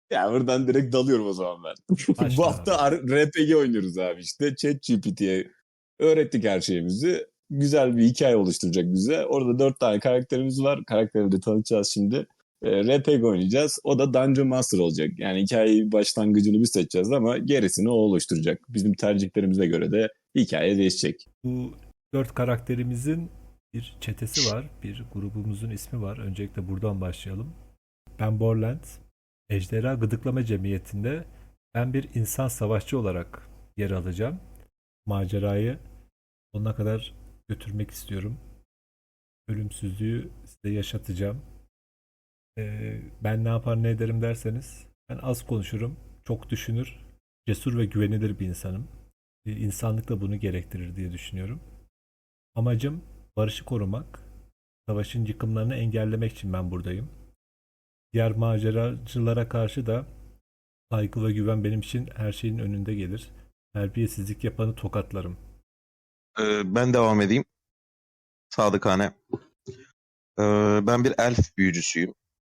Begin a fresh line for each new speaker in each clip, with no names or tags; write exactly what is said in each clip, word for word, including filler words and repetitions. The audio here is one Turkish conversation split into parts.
Ya buradan direkt dalıyorum o zaman ben. Bu
Başla abi.
hafta R P G oynuyoruz abi işte. ChatGPT'ye öğrettik her şeyimizi. Güzel bir hikaye oluşturacak bize. Orada dört tane karakterimiz var. Karakterleri de tanıtacağız şimdi. E, R P G oynayacağız. O da Dungeon Master olacak. Yani hikayeyi başlangıcını biz seçeceğiz ama gerisini o oluşturacak. Bizim tercihlerimize göre de hikaye değişecek.
Bu dört karakterimizin bir çetesi var. Bir grubumuzun ismi var. Öncelikle buradan başlayalım. Ben Borland. Ejderha Gıdıklama Cemiyeti'nde ben bir insan savaşçı olarak yer alacağım. Macerayı sonuna kadar götürmek istiyorum. Ölümsüzlüğü size yaşatacağım. Ee, ben ne yapar ne ederim derseniz ben az konuşurum, çok düşünür, cesur ve güvenilir bir insanım. Ee, İnsanlık da bunu gerektirir diye düşünüyorum. Amacım barışı korumak, savaşın yıkımlarını engellemek için ben buradayım. Diğer maceracılara karşı da saygı ve güven benim için her şeyin önünde gelir. Terbiyesizlik yapanı tokatlarım.
Ee, ben devam edeyim. Sadıkane. Ee, ben bir elf büyücüsüyüm.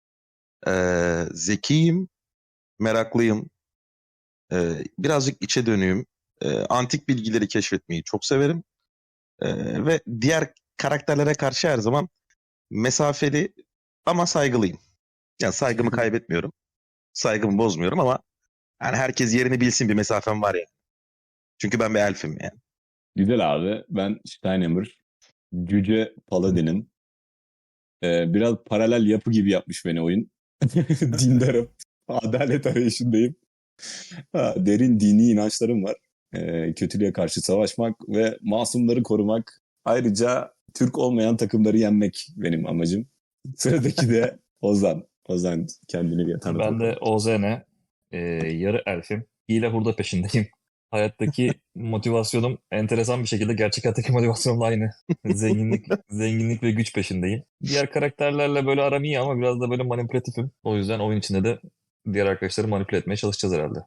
Ee, zekiyim, meraklıyım. Ee, birazcık içe dönüyüm. Ee, antik bilgileri keşfetmeyi çok severim. Ee, ve diğer karakterlere karşı her zaman mesafeli ama saygılıyım. Yani saygımı kaybetmiyorum. Saygımı bozmuyorum ama yani herkes yerini bilsin bir mesafem var ya. Çünkü ben bir elfim yani.
Güzel abi. Ben Steinhammer. Cüce Paladin'im. Ee, biraz paralel yapı gibi yapmış beni oyun. Dindarım. Adalet arayışındayım. Ha, derin dini inançlarım var. Ee, kötülüğe karşı savaşmak ve masumları korumak. Ayrıca Türk olmayan takımları yenmek benim amacım. Sıradaki de Ozan. Ozan kendini bir tanıt
Ben de
bakalım.
Ozene, e, yarı elfim. Hile hurda peşindeyim. Hayattaki motivasyonum enteresan bir şekilde gerçek hayattaki motivasyonumla aynı. Zenginlik, zenginlik ve güç peşindeyim. Diğer karakterlerle böyle aram iyi ama biraz da böyle manipülatifim. O yüzden oyun içinde de diğer arkadaşları manipüle etmeye çalışacağız herhalde.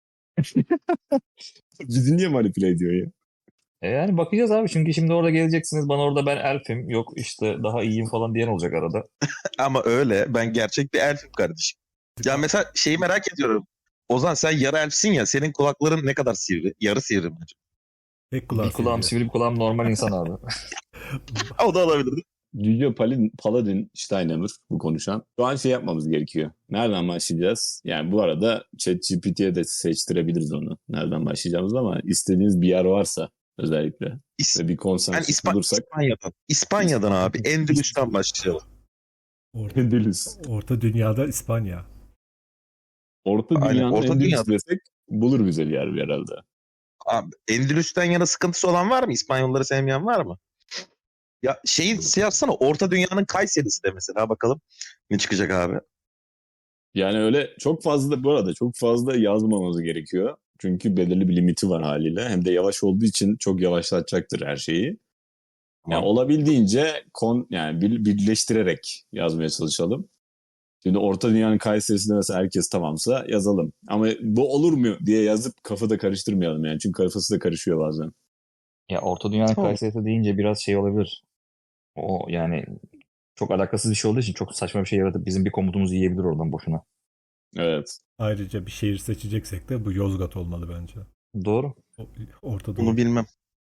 Bizi niye manipüle ediyor ya?
E yani bakacağız abi çünkü şimdi orada geleceksiniz bana orada ben elfim yok işte daha iyiyim falan diyen olacak arada.
Ama öyle. Ben gerçek bir elfim kardeşim. Ya mesela şeyi merak ediyorum. Ozan sen yarı elfsin ya. Senin kulakların ne kadar sivri? Yarı sivri mi acaba?
Tek kulağı
Bir kulağım
sivri.
sivri bir kulağım normal insan abi.
Ha, o da olabilirdi.
Cüce Paladin, Paladin Steinhammer bu konuşan. Şu an şey yapmamız gerekiyor. Nereden başlayacağız? Yani bu arada ChatGPT'ye de seçtirebiliriz onu. Nereden başlayacağımız ama istediğiniz bir yer varsa özellikle
İs
ve bir
ben
konsensus
İspa
bulursak.
İspanya'dan. İspanya'dan abi. Endülüs'ten başlayalım.
Orta,
Endülüs.
Orta Dünya'da İspanya.
Orta
Aynen.
dünyanın
Orta
Endülüs
Dünya'da.
desek bulur bize bir yer bir herhalde.
Abi, Endülüs'ten yana sıkıntısı olan var mı? İspanyolları sevmeyen var mı? Ya şeyi şey yapsana. Orta Dünya'nın Kayseri'si de mesela. Bakalım ne çıkacak abi.
Yani öyle çok fazla bu arada çok fazla yazmamamız gerekiyor. Çünkü belirli bir limiti var haliyle. Hem de yavaş olduğu için çok yavaşlatacaktır her şeyi. Yani
Tamam.
olabildiğince kon yani bir, birleştirerek yazmaya çalışalım. Şimdi Orta Dünya'nın Kayseri'sinde mesela herkes tamamsa yazalım. Ama bu olur mu diye yazıp kafada karıştırmayalım yani. Çünkü kafası da karışıyor bazen.
Ya Orta Dünya'nın
Tamam.
Kayseri'si deyince biraz şey olabilir. O yani çok alakasız bir şey olduğu için çok saçma bir şey yaratıp bizim bir komutumuzu yiyebilir oradan boşuna.
Evet.
Ayrıca bir şehir seçeceksek de bu Yozgat olmalı bence.
Doğru.
O- Orta
Bunu
Doğu.
bilmem.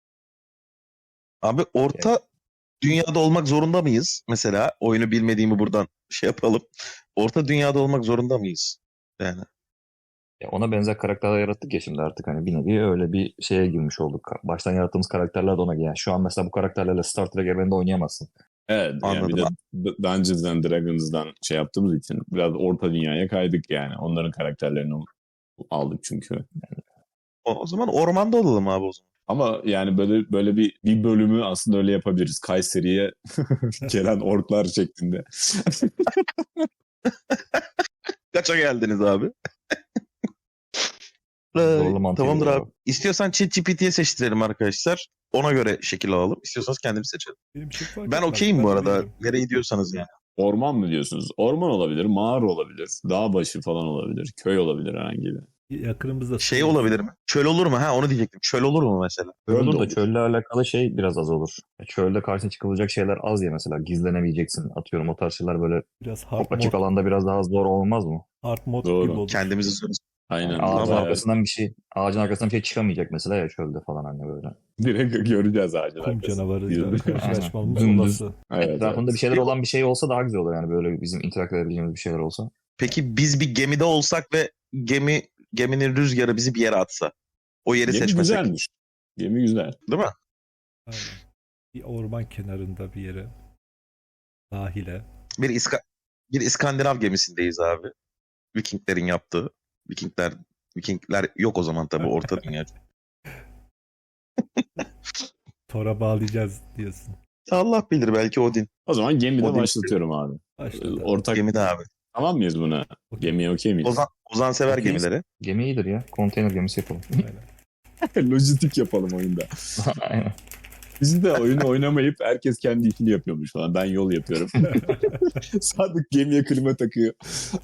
Abi Orta Dünya'da olmak zorunda mıyız? Mesela oyunu bilmediğimi buradan şey yapalım. Orta Dünya'da olmak zorunda mıyız? Yani.
Ya ona benzer karakterler yarattık ya şimdi artık hani bir nevi öyle bir şeye girmiş olduk. Baştan yarattığımız karakterler de ona yani şu an mesela bu karakterlerle Star Trek evreninde oynayamazsın.
Evet yani bir
Anladım.
de D- Dungeons and Dragons'dan şey yaptığımız için biraz Orta Dünya'ya kaydık yani. Onların karakterlerini aldık çünkü.
O, o zaman ormanda olalım abi o zaman.
Ama yani böyle böyle bir bir bölümü aslında öyle yapabiliriz. Kayseri'ye gelen orklar şeklinde.
Kaça geldiniz abi?
Zorlu
Ee,
mantığı
Tamamdır
var
abi.
bak.
İstiyorsan ChatGPT'ye seçtirelim arkadaşlar. Ona göre şekil alalım. İstiyorsanız kendimiz seçelim.
Benim için fark
Ben
etmez.
okeyim
Ben
bu arada.
uyurum.
Nereye gidiyorsanız yani.
Orman mı diyorsunuz? Orman olabilir, mağara olabilir, dağ başı falan olabilir, köy olabilir herhangi bir.
Yakınımızda su
Şey
yok.
olabilir mi? Çöl olur mu? Ha onu diyecektim. Çöl olur mu mesela?
Çöl
Öyle
olur da
olur.
çölle alakalı şey biraz az olur. E, Çölde karşına çıkılacak şeyler az ya mesela. Gizlenemeyeceksin. Atıyorum o tarz şeyler böyle
Biraz hard
çok açık
mod,
alanda biraz daha zor olmaz mı?
hard mod
Doğru.
gibi olur.
Kendimizi söyleriz.
Aynen.
Yani ağacın
Bayağı
arkasından bir şey ağacın arkasından bir şey çıkamayacak mesela ya çölde falan hani böyle.
direkt göreceğiz ağacın
Kum
arkasını.
canavarıyla
Yüzde-
karşılaşmamız
Dümdüz.
olası.
Evet,
Etrafında
evet.
bir şeyler olan bir şey olsa daha güzel olur yani böyle bizim interak edebileceğimiz bir şeyler olsa.
Peki biz bir gemide olsak ve gemi geminin rüzgarı bizi bir yere atsa. O yeri
Gemi
seçmesek.
güzelmiş. Gemi güzel.
Değil mi?
Aynen. Bir orman kenarında bir yere. Sahile.
Bir, İska bir İskandinav gemisindeyiz abi. Vikinglerin yaptığı. Vikingler Vikingler yok o zaman tabii orta dünya.
Tora bağlayacağız diyorsun.
Allah bilir belki Odin.
O zaman gemide
O değil.
başlatıyorum abi.
Başladı.
Ortak
Gemide abi.
tamam mıyız buna?
Okey.
Gemiye okey miyiz?
Ozan, Ozan sever
Okeyiz.
gemileri.
Gemi iyidir ya. Konteyner gemisi yapalım.
Aynen.
Lojistik yapalım oyunda.
Aynen.
Biz de oyunu oynamayıp herkes kendi işini yapıyormuş falan. Ben yol yapıyorum. Sadık gemiye klima takıyor.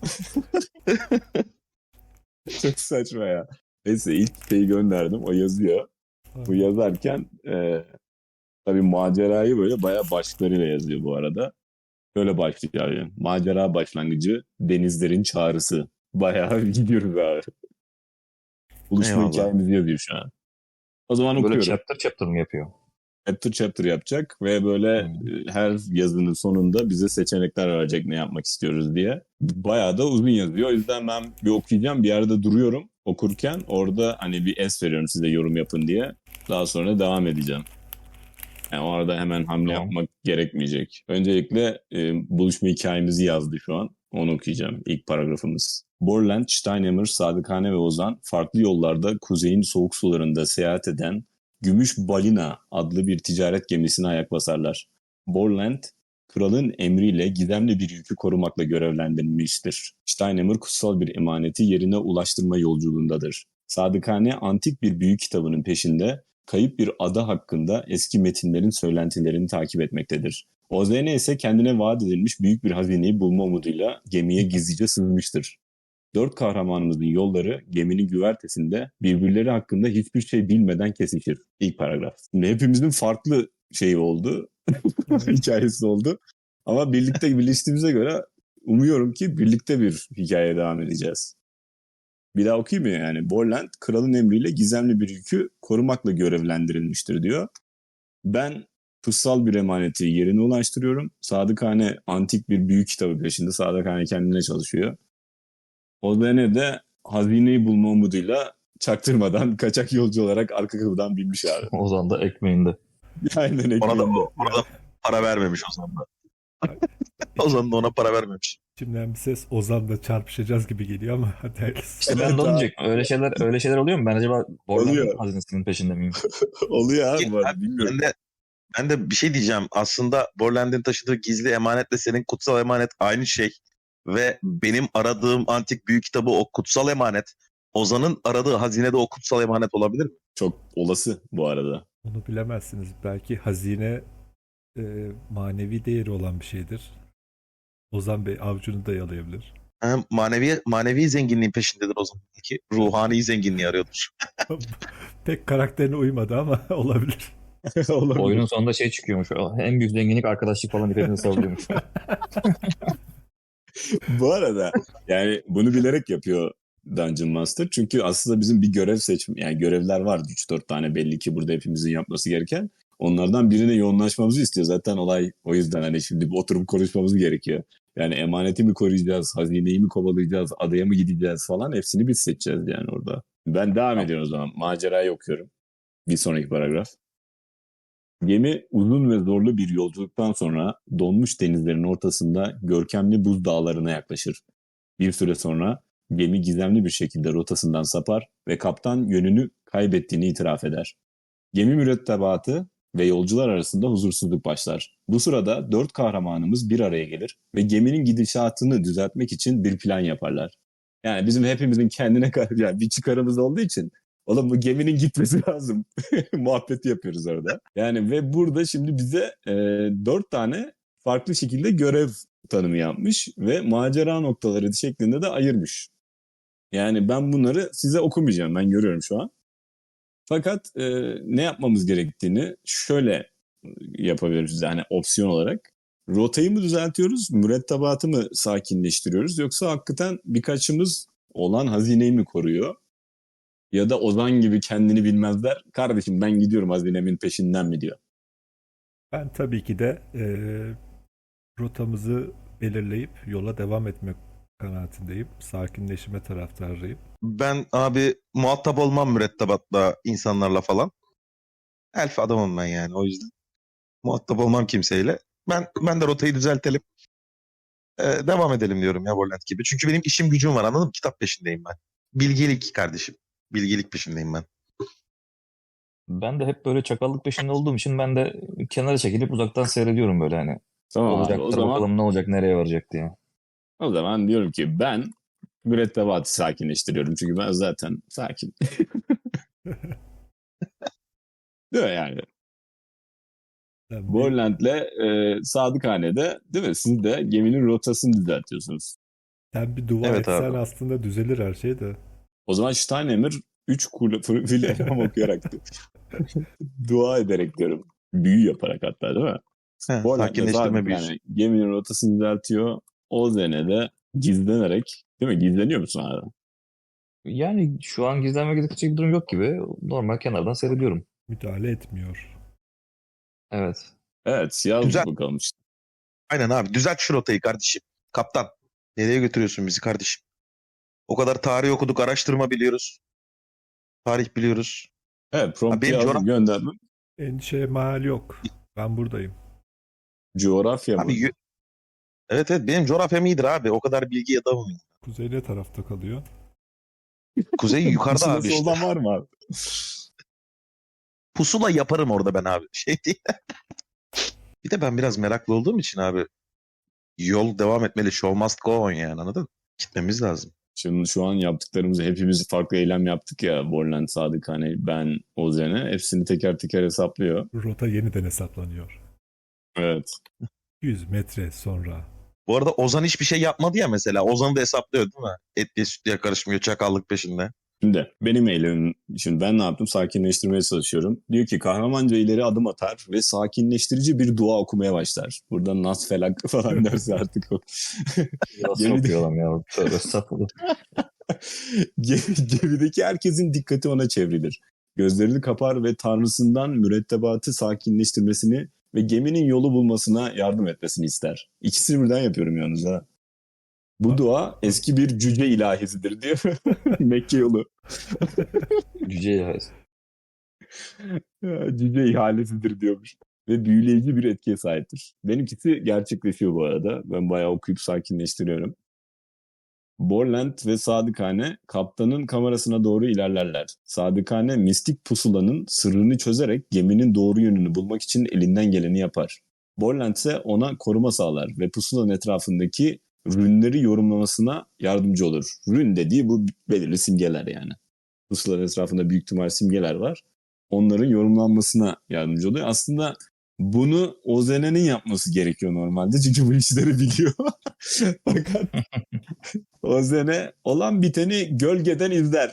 Çok saçma ya. Neyse ilk şeyi gönderdim. O yazıyor. Bu yazarken e, tabii macerayı böyle bayağı başlıklarıyla yazıyor bu arada. Şöyle başlıyor yani. Macera başlangıcı, denizlerin çağrısı. Bayağı gidiyoruz abi. Buluşma
Eyvallah.
hikayemizi yazıyor şu an. O zaman
Böyle
okuyorum.
chapter chapter mı yapıyor?
Chapter chapter yapacak ve böyle
Hmm.
e, her yazının sonunda bize seçenekler verecek ne yapmak istiyoruz diye. Bayağı da uzun yazıyor. O yüzden ben bir okuyacağım. Bir yerde duruyorum okurken. Orada hani bir es veriyorum size yorum yapın diye. Daha sonra devam edeceğim. Yani o arada hemen hamle
Tamam.
yapmak gerekmeyecek. Öncelikle e, buluşma hikayemizi yazdı şu an. Onu okuyacağım. İlk paragrafımız. Borland, Steinhammer, Sadıkhane ve Ozan farklı yollarda kuzeyin soğuk sularında seyahat eden Gümüş Balina adlı bir ticaret gemisine ayak basarlar. Borland, kralın emriyle gizemli bir yükü korumakla görevlendirilmiştir. Steinhammer kutsal bir emaneti yerine ulaştırma yolculuğundadır. Sadıkhane antik bir büyük kitabının peşinde kayıp bir ada hakkında eski metinlerin söylentilerini takip etmektedir. Ozene ise kendine vaat edilmiş büyük bir hazineyi bulma umuduyla gemiye gizlice sızmıştır. Dört kahramanımızın yolları geminin güvertesinde birbirleri hakkında hiçbir şey bilmeden kesişir. İlk paragraf. Şimdi hepimizin farklı şeyi oldu, hikayesi oldu. Ama birlikte birleştiğimize göre umuyorum ki birlikte bir hikayeye devam edeceğiz. Bir daha okuyayım mı yani? Borland, kralın emriyle gizemli bir yükü korumakla görevlendirilmiştir diyor. Ben kutsal bir emaneti yerine ulaştırıyorum. Sadıkhane antik bir büyük kitabı peşinde. Sadıkhane kendine çalışıyor. Ozene de hazineyi bulma umuduyla çaktırmadan kaçak yolcu olarak arka kapıdan binmiş abi.
Ozan da ekmeğinde.
Aynen
Ona da,
ekmeğinde.
ona da para vermemiş o zaman da. O zaman da ona para vermemiş.
İçimden bir ses Ozan'la çarpışacağız gibi geliyor ama hadi hayırlısı.
İşte ben
Evet
de onu
abi.
diyecektim. Öyle şeyler öyle şeyler oluyor mu? Ben acaba Borland'ın
Oluyor.
hazinesinin peşinde miyim?
Oluyor abi
Ki-
bu arada bilmiyorum.
Ben de, ben de bir şey diyeceğim. Aslında Borland'in taşıdığı gizli emanetle senin kutsal emanet aynı şey. Ve benim aradığım antik büyük kitabı o kutsal emanet. Ozan'ın aradığı hazine de o kutsal emanet olabilir mi?
Çok olası bu arada.
Onu bilemezsiniz. Belki hazine e, manevi değeri olan bir şeydir. Ozan Bey avcunu da yalayabilir.
Ha, manevi manevi zenginliğin peşindedir o zaman. Belki ruhani zenginliği arıyordur.
Pek karakterine uymadı ama olabilir.
Olabilir.
Oyunun sonunda şey çıkıyormuş. En büyük zenginlik arkadaşlık falan hepimizi savunuyormuş.
Bu arada yani bunu bilerek yapıyor Dungeon Master. Çünkü aslında bizim bir görev seçme yani görevler vardı üç dört tane belli ki burada hepimizin yapması gereken. Onlardan birine yoğunlaşmamızı istiyor. Zaten olay o yüzden hani şimdi bir oturup konuşmamız gerekiyor. Yani emaneti mi koruyacağız, hazineyi mi kovalayacağız, adaya mı gideceğiz falan hepsini biz seçeceğiz yani orada. Ben devam ediyorum o zaman. Macerayı okuyorum. Bir sonraki paragraf. Gemi uzun ve zorlu bir yolculuktan sonra donmuş denizlerin ortasında görkemli buz dağlarına yaklaşır. Bir süre sonra gemi gizemli bir şekilde rotasından sapar ve kaptan yönünü kaybettiğini itiraf eder. Gemi mürettebatı ve yolcular arasında huzursuzluk başlar. Bu sırada dört kahramanımız bir araya gelir ve geminin gidişatını düzeltmek için bir plan yaparlar. Yani bizim hepimizin kendine karşı yani bir çıkarımız olduğu için oğlum bu geminin gitmesi lazım muhabbeti yapıyoruz orada. Yani ve burada şimdi bize e, dört tane farklı şekilde görev tanımı yapmış ve macera noktaları şeklinde de ayırmış. Yani ben bunları size okumayacağım. Ben görüyorum şu an. Fakat e, ne yapmamız gerektiğini şöyle yapabiliriz. Yani opsiyon olarak. Rotayı mı düzeltiyoruz, mürettebatı mı sakinleştiriyoruz, yoksa hakikaten birkaçımız olan hazineyi mi koruyor? Ya da Ozan gibi kendini bilmezler, kardeşim ben gidiyorum hazinemin peşinden mi diyor.
Ben tabii ki de eee, rotamızı belirleyip yola devam etmek kanaatindeyim. Sakinleşme taraftarıyım.
Ben abi muhatap olmam mürettebatla, insanlarla falan. Elf adamım ben yani, o yüzden. Muhatap olmam kimseyle. Ben ben de rotayı düzeltelim. Ee, devam edelim diyorum ya, Borland gibi. Çünkü benim işim gücüm var, anladın mı? Kitap peşindeyim ben. Bilgelik kardeşim. Bilgelik peşindeyim ben.
Ben de hep böyle çakallık peşinde olduğum için ben de kenara çekilip uzaktan seyrediyorum böyle hani.
Tamam abi, o
Olacaktır
zaman
bakalım ne olacak, nereye varacak diye.
o zaman diyorum ki ben mürettebatı sakinleştiriyorum. Çünkü ben zaten sakin. Değil mi yani?
Ben bir-
Borland'le e, Sadıkhane'de, değil mi? Siz de geminin rotasını düzeltiyorsunuz.
Sen bir dua
Evet
etsen
abi.
aslında düzelir her şey de.
O zaman Steinemir üç kule elham okuyarak, dua ederek diyorum. Büyü yaparak hatta, değil mi?
He,
Borland'le
sakinleştirme büyüsü.
Sadıkhane geminin rotasını düzeltiyor. Ozen'e de gizlenerek, değil mi? Gizleniyor musun abi?
Yani şu an gizlenme gerekecek bir durum yok gibi. Normal kenardan seyrediyorum.
Müdahale etmiyor.
Evet.
Evet, yaz
Düzelt.
bakalım işte.
Aynen abi. Düzelt şu rotayı kardeşim. Kaptan. Nereye götürüyorsun bizi kardeşim? O kadar tarih okuduk, araştırma biliyoruz. Tarih biliyoruz.
Evet,
Ha,
prompt
benim
yazdım,
coğraf...
gönderdim.
Endişeye mahal yok. Ben buradayım.
Coğrafya
Abi,
mı?
y- evet evet, benim coğrafyam iyidir abi. O kadar bilgi adamım.
Kuzey ne tarafta kalıyor?
Kuzey yukarıda
Pusula
abi işte.
soldan var mı abi?
Pusula yaparım orada ben abi. Şey değil. Bir de ben biraz meraklı olduğum için abi, yol devam etmeli. Show must go on yani, anladın mı? Gitmemiz lazım.
Şimdi şu an yaptıklarımızı, hepimiz farklı eylem yaptık ya. Borland, Sadıkhane, ben, Ozen'e. Hepsini teker teker hesaplıyor.
Rota yeniden hesaplanıyor.
Evet.
yüz metre sonra.
Bu arada Ozan hiçbir şey yapmadı ya mesela. Ozan'ı da hesaplıyor değil mi? Etliye sütlüye karışmıyor, çakallık peşinde.
Şimdi benim eylemim, şimdi ben ne yaptım? Sakinleştirmeye çalışıyorum. Diyor ki kahramanca ileri adım atar ve sakinleştirici bir dua okumaya başlar. Burada Nas Felak falan derse artık o.
Yasin
Gemide-
okuyor adam ya. Tövbe estağfurullah.
Gemi- Gemideki herkesin dikkati ona çevrilir. Gözlerini kapar ve tanrısından mürettebatı sakinleştirmesini ve geminin yolu bulmasına yardım etmesini ister. İkisini birden yapıyorum yalnız ha. Bu dua eski bir cüce ilahisidir diyor. Mekke yolu.
Cüce ya.
Cüce ihalesidir diyormuş. Ve büyüleyici bir etkiye sahiptir. Benimkisi gerçekleşiyor bu arada. Ben bayağı okuyup sakinleştiriyorum. Borland ve Sadıkhane kaptanın kamerasına doğru ilerlerler. Sadıkhane mistik pusulanın sırrını çözerek geminin doğru yönünü bulmak için elinden geleni yapar. Borland ise ona koruma sağlar ve pusulanın etrafındaki rünleri yorumlamasına yardımcı olur. Rün dediği bu belirli simgeler yani. Pusulanın etrafında büyük ihtimal simgeler var. Onların yorumlanmasına yardımcı oluyor. Aslında bunu Ozen'in yapması gerekiyor normalde. Çünkü bu işleri biliyor. Fakat Ozen'e olan biteni gölgeden izler.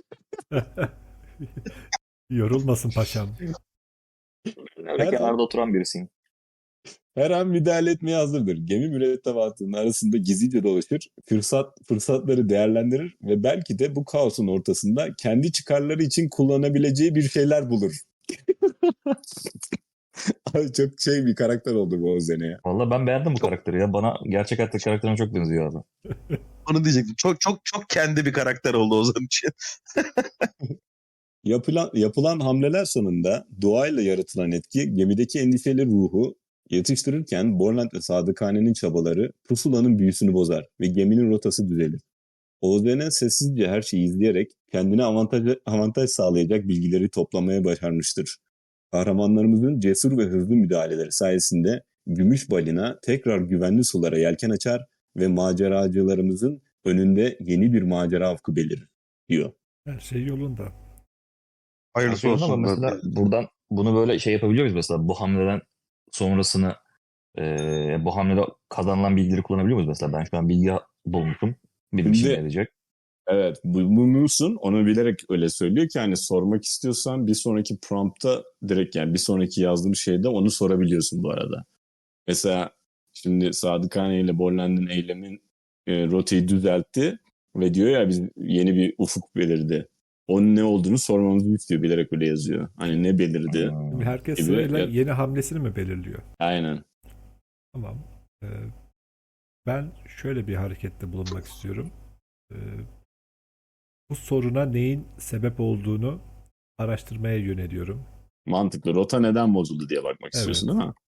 Yorulmasın paşam.
Öyle
Her
kenarda
an-
oturan birisiyim.
Her an müdahale etmeye hazırdır. Gemi mürettebatının arasında gizlice dolaşır, fırsat fırsatları değerlendirir ve belki de bu kaosun ortasında kendi çıkarları için kullanabileceği bir şeyler bulur. Abi çok şey bir karakter oldu bu Ozen'e ya.
Valla ben beğendim bu karakteri ya. Bana gerçek hayattaki karakterime çok benziyor abi.
Onu diyecektim. Çok çok çok kendi bir karakter oldu Ozan için.
Yapılan, yapılan hamleler sonunda doğayla yaratılan etki gemideki endişeli ruhu yatıştırırken Borland ve Sadıkhane'nin çabaları pusulanın büyüsünü bozar ve geminin rotası düzelir. Oğuzhan'a sessizce her şeyi izleyerek kendine avantaj, avantaj sağlayacak bilgileri toplamaya başarmıştır. Kahramanlarımızın cesur ve hızlı müdahaleleri sayesinde Gümüş Balina tekrar güvenli sulara yelken açar ve maceracılarımızın önünde yeni bir macera afkı belirir, diyor.
Her şey yolunda.
Hayırlısı
Aslında ama
olsun.
mesela buradan bunu böyle şey yapabiliyor muyuz mesela? Bu hamleden sonrasını eee, bu hamlede kazanılan bilgileri kullanabiliyor muyuz mesela? Ben şu an bilgi bulmuşum. Benim işime
Şimdi-
yarayacak.
Evet, bu, bu musun onu bilerek öyle söylüyor ki hani sormak istiyorsan bir sonraki promptta direkt yani bir sonraki yazdığım şeyde onu sorabiliyorsun bu arada. Mesela şimdi Sadıkhane ile Borland'ın eylemin e, rotayı düzeltti ve diyor ya biz yeni bir ufuk belirdi. Onun ne olduğunu sormamızı istiyor bilerek öyle yazıyor. Hani ne belirdi
Şimdi
Hmm.
herkes
gibi.
sırayla
Ya-
yeni hamlesini mi belirliyor?
aynen.
Tamam. Ee, ben şöyle bir harekette bulunmak istiyorum. Ee, bu soruna neyin sebep olduğunu araştırmaya yöneliyorum.
Mantıklı. Rota neden bozuldu diye bakmak
Evet.
istiyorsun değil mi?